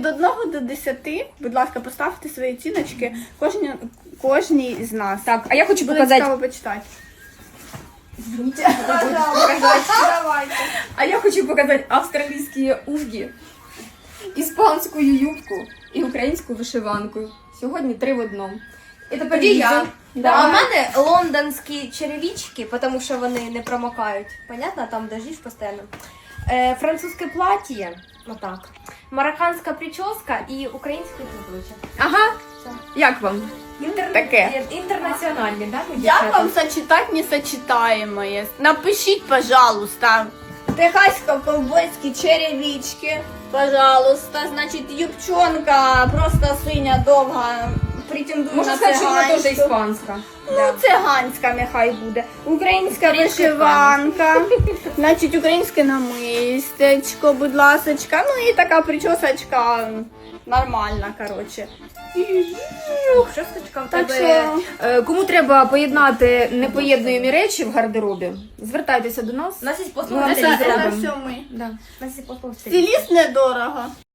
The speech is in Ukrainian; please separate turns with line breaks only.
від 1 до 10, будь ласка, поставте свої оціночки кожній з нас.
Так, а я хочу
Буде
показати.
цікаво почитати.
Давайте. А я хочу показати австралійські угі, іспанську юбку і українську вишиванку. Сьогодні 3 в одному. І тепер
Тоді я.
Да.
А в мене лондонські черевички, тому що вони не промокають. Понятно, там дождиш постійно. Французьке плаття, отак. Марокканська прическа і український каблучок.
Ага. Як вам? Таке.
Інтернаціональні, так?
Як вам сочетать несочетаемое? Напишіть, пожалуйста. Техасько-ковбойські черевички, пожалуйста. Значить, юбчонка просто синя, довга, претендує
Можна
на
сказати, що вона теж
циганську.
іспанська.
Ну, циганська нехай буде. Українська вишиванка. Значить, українське намистечко, будь ласочка. Ну і така причосочка нормальна, коротше.
Шосточка в
Так
тебе.
що...
Кому треба поєднати непоєднуємі речі в гардеробі, звертайтеся до нас.
У нас є
Ми
послуга
вам
Це
це
стиліста.
зробимо.
все ми.
Да.
У нас є послуга стиліста.
Стиліст недорого.